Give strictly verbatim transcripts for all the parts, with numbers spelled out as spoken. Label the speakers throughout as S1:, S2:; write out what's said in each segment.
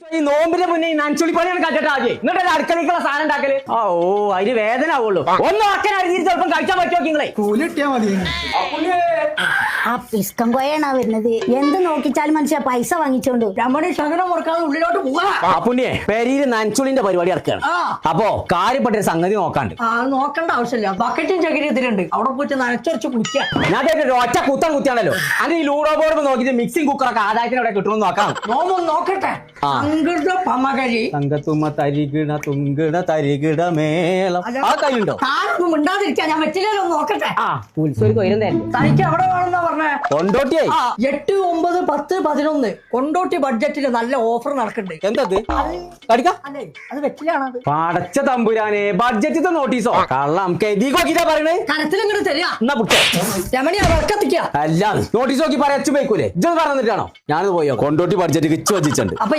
S1: ഈ നോമ്പിന്റെ മുന്നേ ഈ നനച്ചുള്ളി പണിയാണ് കണ്ടിട്ട് ആദ്യം എന്നിട്ട് അടുക്കളക്കുള്ള സാധനം ഉണ്ടാക്കല് ഓ അതിന് വേദന ആവുള്ളൂ ഒന്നും ആക്കാൻ അറിഞ്ഞിട്ട് ചിലപ്പം കഴിച്ചാൽ പറ്റുമോ നിങ്ങളെ
S2: കൂലി കിട്ടിയാ മതി.
S3: ആ പിസ്കം കോയാണ് വരുന്നത്. എന്ത് നോക്കിച്ചാലും മനുഷ്യ പൈസ വാങ്ങിച്ചോണ്ട്
S4: രമണി ശകലം മുറക്കാതെ ഉള്ളിലോട്ട് പോവാ.
S1: അപ്പുണ്ണിയെ പെരിയില് നനച്ചുള്ളിന്റെ പരിപാടി ഇറക്കുകയാണ്. അപ്പോ കാര്യപ്പെട്ടൊരു സംഗതി നോക്കാണ്ട്.
S4: ആ നോക്കേണ്ട ആവശ്യമില്ല. ബക്കറ്റും ചകിരി ഇതിലുണ്ട്. അവിടെ പോയിട്ട് നനച്ചുറച്ച് കുടിക്കുക.
S1: ഞാൻ ഒറ്റ കുത്താൻ കുത്തിയാണല്ലോ. അത് ഈ ലൂഡോ ബോർഡ് നോക്കിയിട്ട് മിക്സിംഗ് കുക്കറൊക്കെ ആദായത്തിന് അവിടെ കിട്ടുമെന്ന് നോക്കാം.
S4: നോമ്പ് നോക്കട്ടെ. സംഗീത പമകരി
S1: സംഗത്തുമ്മ തരികിട തുങ്കിട തരികിട മേളം ആ കയ്യുണ്ടോ?
S4: താനൊന്നും മിണ്ടാതിരിക്കാൻ ഞാൻ വെച്ചില്ലല്ലോ. നോക്കട്ടെ.
S1: ആ ഉത്സവ കൊയിരുന്നല്ലേ
S4: തനിക്ക് എവിടെ വേണമെന്നാ പറഞ്ഞേ?
S1: കൊണ്ടോട്ടിയായി
S4: എട്ട് ഒമ്പത് പത്ത് പതിനൊന്ന് കൊണ്ടോട്ടി ബഡ്ജറ്റില് നല്ല ഓഫർ നടക്കുന്നുണ്ട്.
S1: എന്തത് കടിക്ക
S4: അല്ലേ അത് വെച്ചിലാണത്.
S1: പടച്ച തമ്പുരാനെ ബഡ്ജറ്റിത്തെ നോട്ടീസോ കള്ളം കെതിക്കോക്കിട്ടാ പറയണേ.
S4: കനത്തിലിങ്ങോട്ട് തരിക.
S1: എന്നാ പുട്ടെ
S4: രമണി ആ വിളക്കത്തിക്ക.
S1: അല്ല നോട്ടീസ് നോക്കി പറയാ അച്ചു പോയിക്കൂലേ ഇജ്ജത് പറഞ്ഞിട്ടാണോ? ഞാനത് പോയോ കൊണ്ടോട്ടി ബഡ്ജറ്റ് കിച്ചു വച്ചിട്ടുണ്ട്.
S4: അപ്പൊ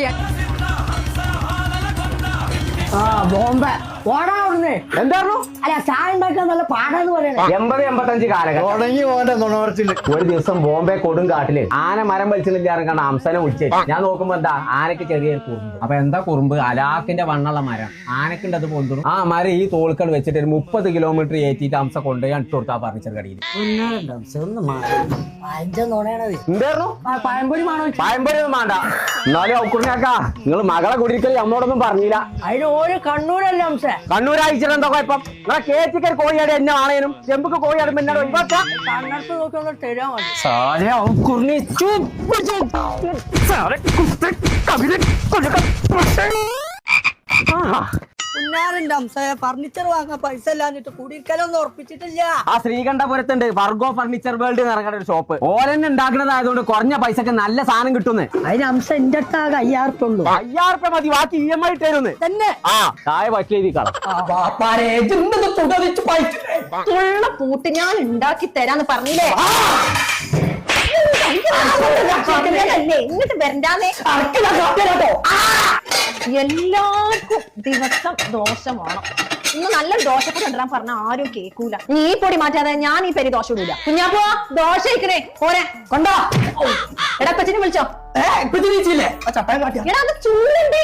S4: ആ ബോംബെ ഓടാ അവിടുന്ന്.
S1: എന്തായിരുന്നു
S4: അല്ല ചായ ഉണ്ടാക്കാൻ നല്ല പാടാന്ന് പറയണേ.
S1: എൺപത് എൺപത്തഞ്ച് കാലഘട്ടം
S2: തുടങ്ങി പോന്റെ നുണവർച്ചില്ല.
S1: ഒരു ദിവസം ബോംബെ കൊടും കാട്ടില് ആന മരം വലിച്ചില്ലാറും അംസനെ വിളിച്ചേ. ഞാൻ നോക്കുമ്പോ എന്താ ആനക്ക് ചെറിയ കുറുമ്പ്. അപ്പൊ എന്താ കുറുമ്പ്? അലാക്കിന്റെ വണ്ണുള്ള മരം ആനക്കുണ്ട്. അത് പൊന്തും. ആ മരം ഈ തോൾക്കട് വെച്ചിട്ട് ഒരു മുപ്പത് കിലോമീറ്റർ ഏറ്റിട്ട് അംസ കൊണ്ടുപോയി ഇട്ട് കൊടുത്താ ഫർണിച്ചർ കടയിൽ. എന്തായിരുന്നു
S4: പഴംപൊരി വേണോ?
S1: പഴംപൊരി ഒന്നും വേണ്ട. എന്നാലും ഔക്കുറിനാക്കാ നിങ്ങൾ മകളെ കുടിയിരിക്കൽ നമ്മോടൊന്നും പറഞ്ഞില്ല.
S4: അതിന് ഓരോ കണ്ണൂരല്ല അംസ.
S1: കണ്ണൂർ അയച്ചിട്ട് എന്താ കുഴപ്പം? നിങ്ങളെ കേച്ചിക്കൽ കോഴിയാട് എന്നെ ആണേനും ചെമ്പുക്ക് കോഴിയാടുമ്പോ എന്നോട് ഒഴിവാക്കാം.
S4: കണ്ണടത്ത് നോക്കി ഒന്ന് തരാൻ മതി. പുന്നാറിന്റെ അംസ ഫർണിച്ചർ വാങ്ങാൻ പൈസ ഇല്ലാഞ്ഞിട്ട് കുടിയിരിക്കലൊന്നും ഉറപ്പിച്ചിട്ടില്ല.
S1: ആ ശ്രീകണ്ഠപുരത്തുണ്ട് ഫർഗോ ഫർണിച്ചർ വേൾഡ് എന്ന് ഇറങ്ങുന്ന ഒരു ഷോപ്പ്. ഓരെന്നെ ഉണ്ടാക്കുന്നതായതുകൊണ്ട് കുറഞ്ഞ പൈസക്ക് നല്ല സാധനം കിട്ടുന്നേ.
S4: അതിന് അംസ എന്റെ അടുത്താകെ അയ്യായിരത്തുള്ളൂ.
S1: അയ്യായിരം രൂപ മതി, ബാക്കി ഇ എം ഐ ഇട്ടേരുന്ന്
S4: തന്നെ.
S1: ആ താഴെ പറ്റിയിരിക്കണം.
S5: പൂട്ട് ഞാൻ ഉണ്ടാക്കി തരാന്ന് പറഞ്ഞില്ലേ? ഇങ്ങോട്ട് വരണ്ടാന്നേ. എല്ലാവർക്കും ദിവസം ദോശ വേണം. ഇന്ന് നല്ല ദോശപ്പൊടി കൊണ്ടുവരാൻ പറഞ്ഞ ആരും കേൾക്കൂല. നീ ഈ പൊടി മാറ്റാതെ ഞാൻ ഈ പെരി ദോശ ഇടൂല. കുഞ്ഞാപ്പോ ദോശ ഇരിക്കണേ പോരെ കൊണ്ടോ. എടാ കൊച്ചിനെ വിളിച്ചോ. എടാ അത് ചൂടുണ്ട്.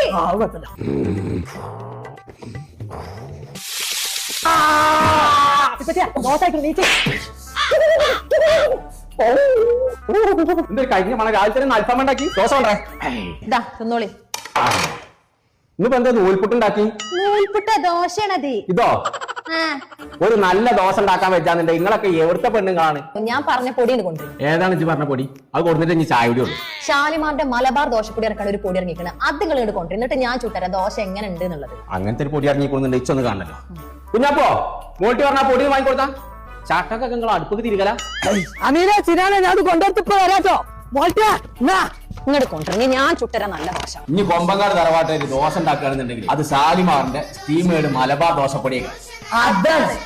S5: ദോശ നീച്ച്
S1: കഴിഞ്ഞ മണ രാവിലെ തന്നെ അൽഫാം ഉണ്ടാക്കി ദോശ കൊണ്ടേ.
S5: ഇതാ തിന്നോളി.
S1: ഇന്നിപ്പോ എന്താ നൂൽപുട്ടുണ്ടാക്കി?
S5: നൂൽപുട്ട ദോശയാണത്.
S1: ഇതോ ഒരു നല്ല ദോശ ഉണ്ടാക്കാൻ വെച്ചാന്നുണ്ടെ നിങ്ങളൊക്കെ എവിടുത്തെ പെണ്ണുങ്ങളാണ്?
S5: ഞാൻ പറഞ്ഞ പൊടിയാണ് കൊണ്ടുവരും.
S1: ഏതാണ് ഇജ്ജ് പറഞ്ഞ പൊടി? അത് കൊടുത്തിട്ട് ഇനി ചായ കൂടി ഉള്ളൂ.
S5: ഷാലിമാറിന്റെ മലബാർ ദോശപ്പൊടി ഇറക്കാൻ ഒരു പൊടി ഇറങ്ങിക്കണം. അത് നിങ്ങൾ ഇങ്ങോട്ട് കൊണ്ടുവരും. എന്നിട്ട് ഞാൻ ചുട്ടരാം ദോശ എങ്ങനെ ഉണ്ട് എന്നുള്ളത്.
S1: അങ്ങനത്തെ ഒരു പൊടി ഇറങ്ങിക്കൊള്ളുന്നുണ്ട്. ഇച്ചൊന്ന് കാണല്ലോ. കുഞ്ഞപ്പോ മോട്ടി പറഞ്ഞ പൊടി വാങ്ങിക്കൊടുത്താ ചാട്ടൊക്കെ നിങ്ങൾ അടുപ്പൊക്കെ തിരികല.
S4: അമീനെ ചിരാനെ ഞാൻ അത് കൊണ്ടുവരത്തിപ്പോ വരാട്ടോ.
S5: ഇങ്ങോട്ട് കൊണ്ടുവരണേ ഞാൻ ചുട്ടരാം നല്ല ദോശ.
S1: ഇനി കൊമ്പങ്കാട് തറവാട്ടിൽ ദോശ ഉണ്ടാക്കുകയാണെന്നുണ്ടെങ്കിൽ അത് ഷാലിമാറിന്റെ സ്റ്റീമേഡ് മലബാർ ദോശപ്പൊടിയൊക്കെ.
S4: അതാണ്